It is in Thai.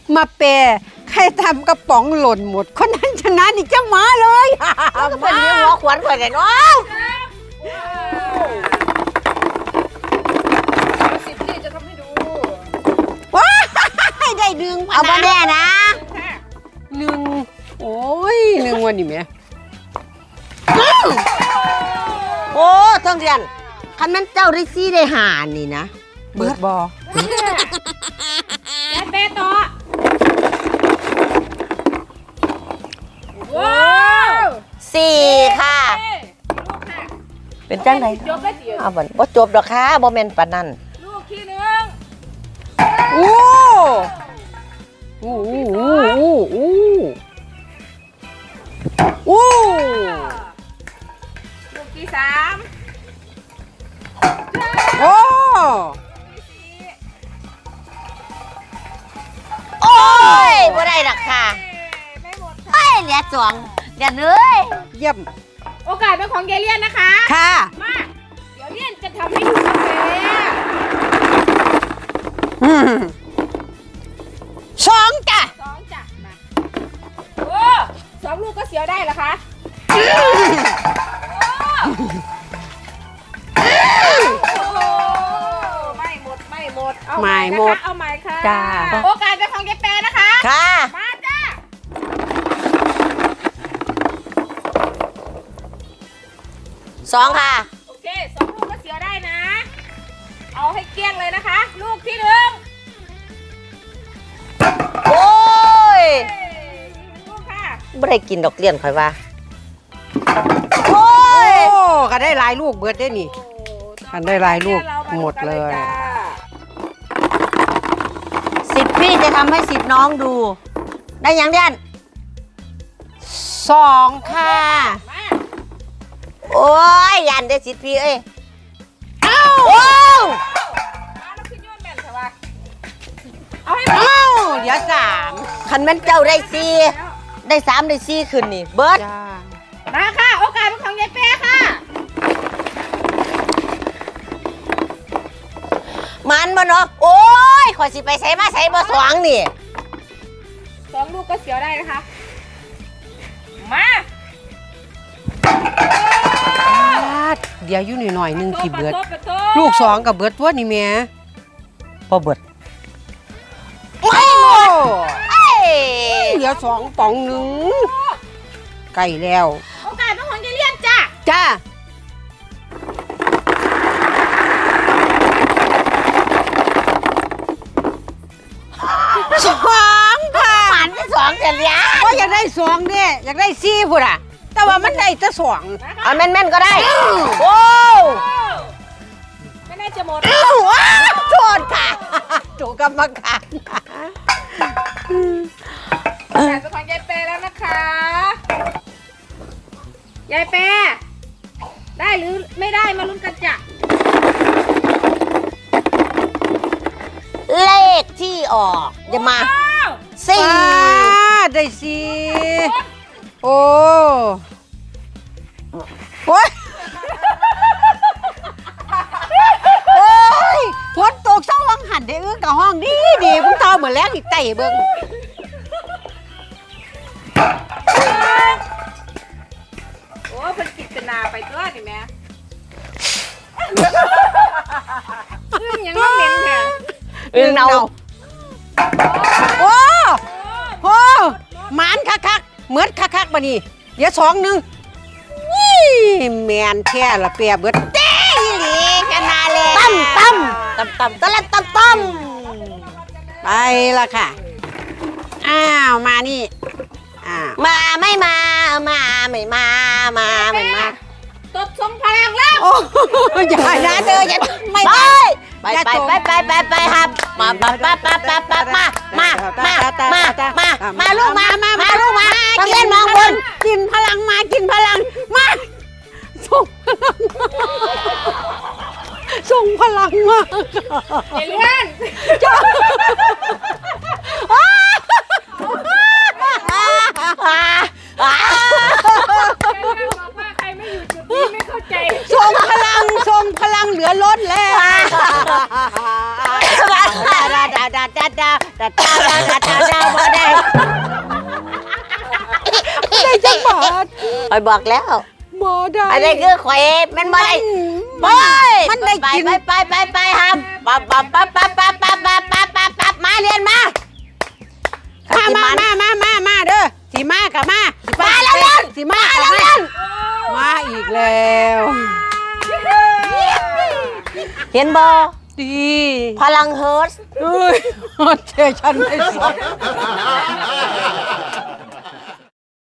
มาเปใครทำกระป๋องหล่นหมดคนนั้นชนะนี่จะมาเลยก็เป็นหัวขวัญข่อยกันเนาะสิบที่จะทำให้ดูว้าได้ดึงเอามาแน่นะหนึ่งโอ้ยหนึ่งวันนี้แม่โอ้ท่องเรียนคันนั้นเจ้าได้ซี่ได้หานี่นะเบิดบอและเปต่อว้าว 4ค่ะเป็นจังได๋จบแล้วสิเอาบ่จบดอกค่ะบ่แม่นปานนั้นลูกที่1 โอ้โอ้โอ้โอ้โอ้โอ้ลูกที่3 โอ้โอ้ยบ่ได้ดอกค่ะไม่หมดเฮ้ยเหลือ2อย่าเลยเยี่ยมโอกาสเป็นของยายเลี่ยนนะคะค่ะมาเดี๋ยวเลี่ยนจะทำให้ดูกาแฟสองจ้ะ 2จ้ะมาโอ้2ลูกก็เสียวได้เหรอคะไม่หมดเอาใหม่นะคะเอาใหม่ค่ะจ้าโอกาสเป็นของยายแปรนะคะค่ะมาจ้า 2ค่ะโอเค2ลูกก็เสียวได้นะ เอาให้เกลี้ยงเลยนะคะ ลูกที่1 โอ้ยลูกค่ะบ่ได้กินดอกเลี้ยนข่อยว่าโอ้โอ้ยก็ได้หลายลูกเบิดได้นี่กันได้หลายลูกหมดเลยสิทธิ์พี่จะทำให้สิทธิ์น้องดู ได้ยังเดียนสองค่ะมาโอ้ยยันได้สิทธิ์พี่เอ้ยเอ้าโอ้มาแล้วขึ้นยอดแม่นเถอะวะเอาให้หมดเอ้าเดี๋ยวสามคันแม่นเจ้าได้4ได้3ได้4ขึ้นนี่เบิดจ้ามาค่ะโอกาสเป็นของยายแปรค่ะมันบ่เนาะโอ้ยข่อยสิไปใส่มาใส่บ่สว่างนี่ 2ลูกก็เสียวได้นะคะมาเดี๋ยวอยู่หน่อยๆหนึงที่เบิดประตูลูกสองกับเบิดตัวนี่แม่บ่เบิดโอ้เอ้ยเหลือสองป๋องหนึ่งใกล้แล้วโอกาสเป็นของยายเลี่ยนจ้ะจ้าสองค่ะมันที่2จะเลี้ยงว่าอยากได้สองเนี่ยอยากได้สี่พุ่นอ่ะ แต่ว่ามันได้แต่สองเอาแม่นๆก็ได้โอ้ไม่น่าจะหมดอ้าวโทษค่ะถูกกรรมการโอกาสเป็นของยายแปรแล้วนะคะยายแปรได้หรือไม่ได้มาลุ้นกันจ้ะเลขที่ออกอย่ามาว้าว 4 ได้สี่โอ้โอ้ยโอ้ยฝนตกเศร้าวังหันได้อึ้งกับห้องดีดีพุ่งเท่าเหมือนแรงอีกไต่เบิ้งโอ้เพิ่นกิจนาไปตัวนี่แม่ยังไม่เหม็นแท้อึ้งเนาโอ้โหหมานคักๆเหมือนคักๆมานี่เดี๋ยวสองหนึ่งนี่แมนแค่ละเปียเบิดเต้อีหลีกันนาเลยตั้มตะละตั้มไปละค่ะ อ้าวมานี่อ้าวมาไม่มาไม่มาไม่มาตบทรงพลังแล้วโอ้อย่านะเธออย่าไม่ไปได้ไปครับมาลูกมาต้องเล่นมองบนกินพลังมากินพลังมาส่งพลังมาส่งพลังมาเอเลี่ยนจ้าบอกว่าใครไม่อยู่จุดนี้ไม่เข้าใจส่งพลังเหลือล้นแล้วดาอาจารย์ดาวบ่ได้ได้จังบาทคอยบอกแล้วบ่ได้อันนี้คือข่อยมันบ่ได้ไปมันได้กินไปครับปั๊บมาเรียนมามาเด้อสิมากับมาสิมาแล้วเล่นสิมากับมามาอีกแล้วเห็นบ่ดีพลังเฮิร์ตเอ้ยเทฉันไม่สน